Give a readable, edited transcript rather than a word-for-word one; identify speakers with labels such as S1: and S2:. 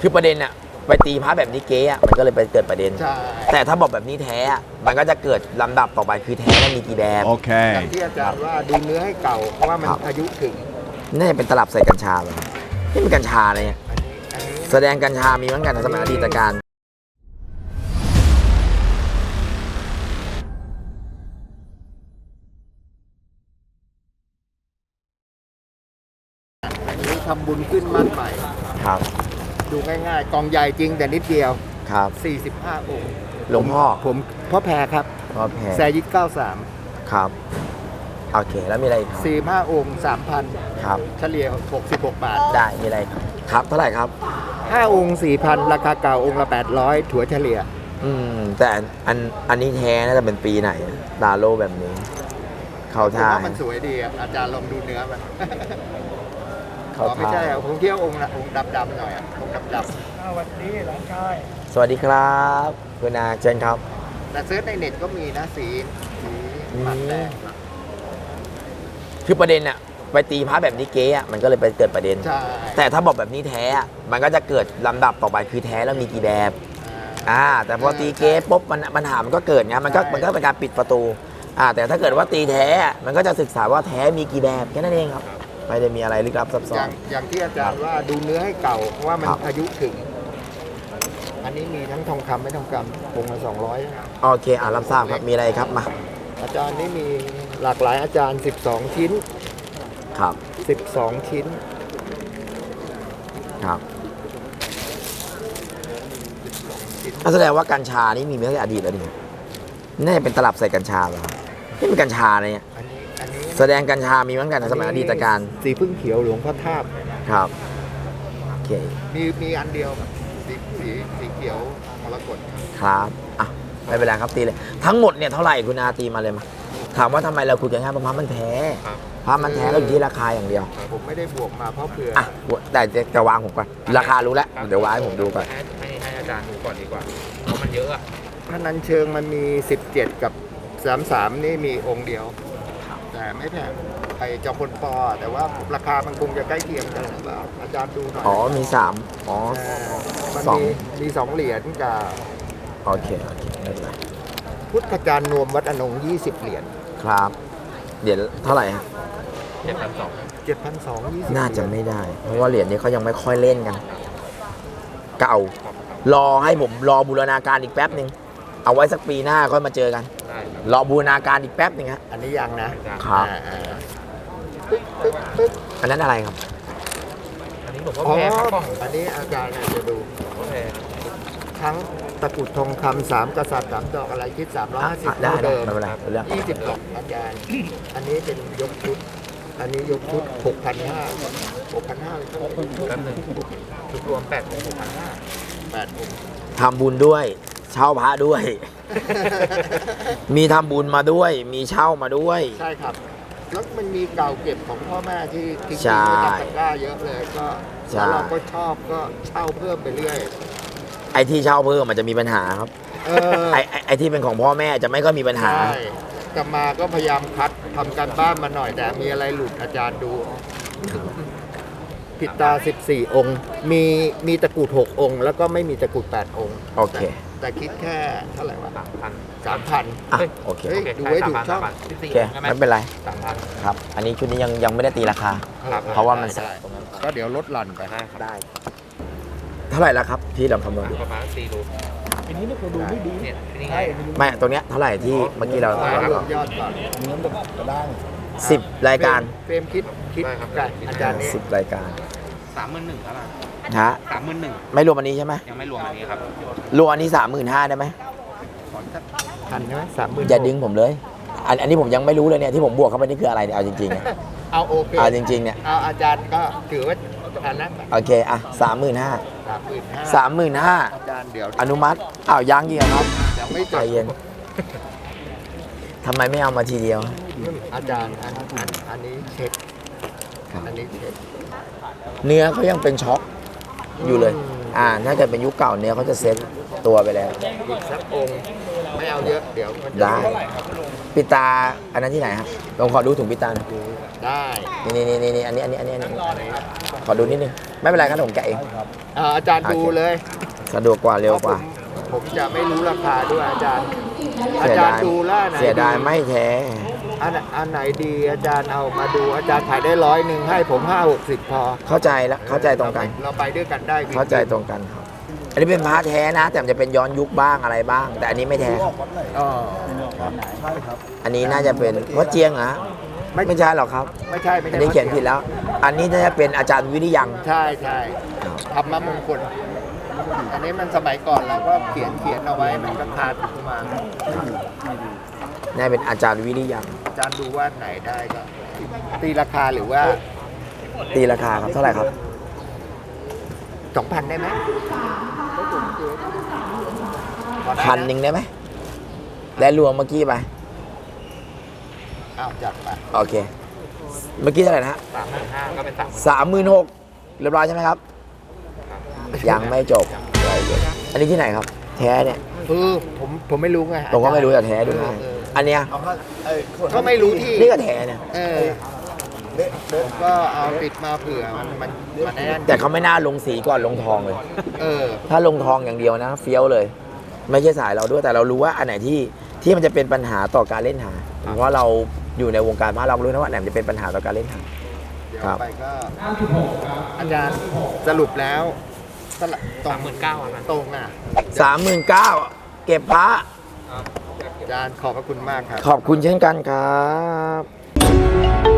S1: คือประเด็นอะไปตีพระแบบนี้เก๊อะมันก็เลยไปเกิดประเด็นแต่ถ้าบอกแบบนี้แท้อะมันก็จะเกิดลำดับต่อไปคือแท้แล้วมีกี่แบบ
S2: โอเคอย่างที่อาจารย์ว่าดูเนื้อให้เก่าเพราะว่ามันอายุถึง
S1: น่าจะเป็นตลับใส่กัญชาเลยนี่เป็นกัญชาอะไรเนี่ยแสดงกัญชามีเหมือนกันในสมัยอดีตการ
S2: ทำบุญขึ้นมั่นใหม่
S1: ครับ
S2: ดูง่ายๆกองใหญ่จริงแต่นิดเดียว
S1: ครับ
S2: 45 องค์
S1: หลวงพ่อ
S2: ผมพ่อแพรครับ
S1: พ่อแพร
S2: แซยิด93
S1: ครับโอเคแล้วมีอะไรอีกครับ
S2: 45 องค์ 3,000
S1: ครับ
S2: เฉลี่ย66 บาท
S1: ได้มีอะไรครับเท่าไหร่ครับ
S2: 5 องค์ 4,000 ราคาเก่าองค์ละ800ถั่วเฉลี่ย
S1: แต่อันนี้แท้น่าจะเป็นปีไหนดาโลแบบนี้เข้าท่า
S2: มันสวยดีอาจารย์ลองดูเนื้อมัน
S1: เขา
S2: ไม่ใช่ผมเที่ยวองค์ดำๆหน่อยองค์ดำๆสวัสดีหลานชาย
S1: สวัสดีครับคุณอาเชิญครับ
S2: แต่เซิร์ชในเน็ตก็มีนะสีปัดแดง
S1: คือประเด็นอะไปตีพระแบบนี้เก๊อะมันก็เลยไปเกิดประเด็นแต่ถ้าบอกแบบนี้แท้อะมันก็จะเกิดลำดับต่อไปคือแท้แล้วมีกี่แบบแต่พอตีเก๊ปุ๊บปัญหามันก็เกิดไงมันก็เป็นการปิดประตูแต่ถ้าเกิดว่าตีแท้มันก็จะศึกษาว่าแท้มีกี่แบบแค่นั้นเองครับไม่ได้มีอะไรลึกลับซับซ้อน
S2: อย่างที่อาจารย์ว่าดูเนื้อให้เก่าเพราะว่ามันอายุถึงอันนี้มีทั้งทองคำไม่ทองคำองค์ละ200
S1: โอเครับทราบครับมีอะไรครับมา
S2: อาจารย์นี่มีหลากหลายอาจารย์12 ชิ้น
S1: ครับ
S2: 12 ชิ้น
S1: ครับแสดงว่ากัญชานี่มีมาตั้งแต่อดีตแล้วดิน่าจะเป็นตลับใส่กัญชาเหรอนี่เป็นกัญชาอะไรเนี่ยแสดงกัญชามีเหมือนกันในสมัยอดีตการ
S2: สีพึ่งเขียวหลวงพ่อทาบ
S1: ครับโอเค
S2: มีอันเดียวสีเขียวมรกต
S1: ครับไม่เป็นไรครับตีเลยทั้งหมดเนี่ยเท่าไหร่คุณอาตีมาเลยมาถามว่าทำไมเราคุยกันง่ายเพราะพระมันแท้พระมันแท้เราอยู่ที่ราคาอย่างเดียว
S2: ผมไม่ได้บวกมาเพราะเผื่อ
S1: แต่จะวางผมก่อนราคารู้แล้วเดี๋ยววางให้ผมดูก่อน
S3: ให้อาจารย์ดูก่อนดีกว่าเพราะมันเยอะอะ
S2: พระนันเชิงมันมี17กับ33นี่มีองค์เดียวแต่ไม่แพงไปจอมพลปแต่ว่าราคามันคงจะใกล้เคียงกันแล้วอาจารย์ดูหน่อย
S1: มี3
S2: มันมี 2 เหรียญกับ
S1: โอเคไม่เป็นไร
S2: พุทธจารย์นวมวัดอนง20 เหรียญ
S1: ครับเหรียญเท่าไหร่ฮะ
S2: 7,220
S1: น่าจะไม่ได้เพราะว่าเหรียญนี้เขายังไม่ค่อยเล่นกันเก่ารอให้ผมรอบูรณาการอีกแป๊บนึงเอาไว้สักปีหน้าค่อยมาเจอกันรอบูรณาการอีกแป๊บนึงฮะ
S2: อันนี้ยังนะครับ
S1: อันนั้นอะไรครับ
S3: อันนี้ผมก็แพงครับ
S2: อันนี้อาจารย์จะดูทั้งตะกุดทองคำ3 กษัตริย์3 ดอกอะไรคิด350
S1: ได้
S2: เดิม
S1: 20
S2: ดอกอาจารย์อันนี้เป็นยกชุดอันนี้ยกชุด 6,500เลย
S3: ครับชุดรวม8 องค์
S2: 8 องค์
S1: ทำบุญด้วยเช่าพระด้วย มีทำบุญมาด้วยมีเช่ามาด้วย
S2: ใช่ครับแล้วมันมีเก่าเก็บของพ่อแม่ที่ทิ้งไว้ในตะกร้าเยอะเลยก็แล้วเราก็ชอบก็เช่าเพิ่มไปเรื่อย
S1: ไอ้ที่เช่าเพิ่มมันจะมีปัญหาครับไอ้ที่เป็นของพ่อแม่จะไม่ก็มีปัญหา
S2: กลับมาก็พยายามคัดทำการบ้านมาหน่อยแต่มีอะไรหลุดอาจารย์ดูปิดตา14 องค์มีตะกรุด6 องค์แล้วก็ไม่มีตะกรุด8 องค์
S1: โอเค
S2: แต่คิดแค่เท่าไหร่วะ
S1: 3,000
S2: โอเคดูไว้ถูกช่อง
S1: โอเคไม่เป็นไรครับอันนี้ชุดนี้ยังไม่ได้ตีราคาเพราะว่ามัน
S2: ก็เดี๋ยวลดหลั่นไป
S1: ได้เท่าไหร่แล้วครับที่เราคำนวณ
S3: ประมาณ4 รู
S2: อันนี้เราดูไม่ดี
S1: ไม่ตรงเนี้ยเท่าไหร่ที่เมื่อกี้เรา
S2: ยอดก่อนเนื้อแบบกระด้าง
S1: 10 รายการ
S2: เฟรมคิดกับอาจารย์
S1: 10 รายการ
S3: 31,000ครับ
S1: ฮะ
S3: 31,000
S1: ไม่รวมอันนี้ใช่ไหม
S3: ยังไม่รวมอันนี้ครับ
S1: รวมอันนี้35,000ได้ไหม
S2: พันใช่ไหม30,000
S1: อย่าดึงผมเลยอันนี้ผมยังไม่รู้เลยเนี่ยที่ผมบวกเข้าไปนี่คืออะไรเนี่ยเอาจริง
S2: ๆเอาโอเค
S1: เอาจริงๆเนี่ย
S2: เอาอาจารย์ก็ถือว่าอันนั้น
S1: โอเค35,000อาจ
S2: ารย์เดี๋ยว
S1: อนุมัติยังกี่ครับ
S2: ยังไม่
S1: ใจเย็นทำไมไม่เอามาทีเดียว
S2: อาจารย์อันนี้เช็คอันนี้เช็ค
S1: เนื้อเขายังเป็นช็อกอยู่เลยถ้าเกิดเป็นยุคเก่าเนื้อเขาจะเซ็ตตัวไปแล้ว
S2: อีกสักองค์ไม่เอาเยอะเดี๋ยวมันจะ
S1: ได้ ปิดตาอันนั้นที่ไหนครับลองขอดูถุงปิดตาหน่อย
S2: ได้
S1: นี่อันนี้ขอดูนิดนึงไม่เป็นไรครับผมแกะเอง
S2: อาจารย์ดูเลย
S1: สะดวกกว่าเร็วกว่า
S2: ผมจะไม่รู้ราคาด้วยอาจารย์ อา
S1: เสีย
S2: จาร
S1: ดาย
S2: ย์ดูแล้วอันไหน
S1: เสียดายไม่แท้
S2: อันไหนดีอาจารย์เอามาดูอาจารย์ขายได้100ให้ผม50-60พอ
S1: เข้าใจแล้วเข้าใจตรงกัน
S2: เราไปด้วยกันได้
S1: เข้าใจตรงกันครับ อันนี้เป็นพระแท้นะ แต่มันจะเป็นย้อนยุคบ้างอะไรบ้าง แต่อันนี้ไม่แท้ครับ
S2: อ๋อ
S1: อันนี้น่าจะเป็นวัดเจียงเหรอไม่ใช่หรอกครับ
S2: ไม่ใช่ไม่ใช่
S1: อันนี้เขียนผิดแล้ว อันนี้น่าจะเป็นอาจารย์วิริยัง
S2: ใช่ธรรมมงคล อันนี้มันสมัยก่อนเราก็เขียนเอาไว้มันก็คาดขึ้นมา
S1: น่าเป็นอาจารย์วิริยัง
S2: อาจารย์ดูว่าไหนได้ก็ตีราคาหรือว่า
S1: ตีราคาครับเท่าไหร่ครับ
S2: 2,000ได้ไหมพอได้ะ
S1: 1,000ได้ไหมได้รวมเมื่อกี้ไป
S2: อ้าวจัดไป
S1: โอเค เมื่อกี้เท่าไหร่นะฮะ
S3: 35,000ก็เป็น
S1: 36,000เรียบร้อยใช่ไหมครับ ยังไม่จบอันนี้ที่ไหนครับ แท้เนี่ย
S2: ผมไม่รู้ไง
S1: ผมก็ไม่รู้แต่แท้ด้วยอันเนี้ย
S2: ก็ไม่รู้ที่
S1: นี่ก็แท้เนี่ย
S2: ผมก็เอาติดมาเผื่อมันแน่น
S1: แต่เขาไม่น่าลงสีก่อนลงทองเลย
S2: เออ
S1: ถ้าลงทองอย่างเดียวนะเฟี้ยวเลย ไม่ใช่สายเราด้วยแต่เรารู้ว่าอันไหนที่มันจะเป็นปัญหาต่อการเล่นหาเพราะเราอยู่ในวงการพระเรารู้นะว่าอันไหนมันจะเป็นปัญหาต่อการเล่นหา
S2: เดี๋ยว
S1: ครับ
S2: ไปก็อาจารย์สรุปแล้วตรง
S3: 39,000
S2: ตรงอ่ะ
S1: 39,000เก็บพระ
S2: อาจารย์ขอบพระคุณมากครับ
S1: ขอบคุณเช่นกันครับ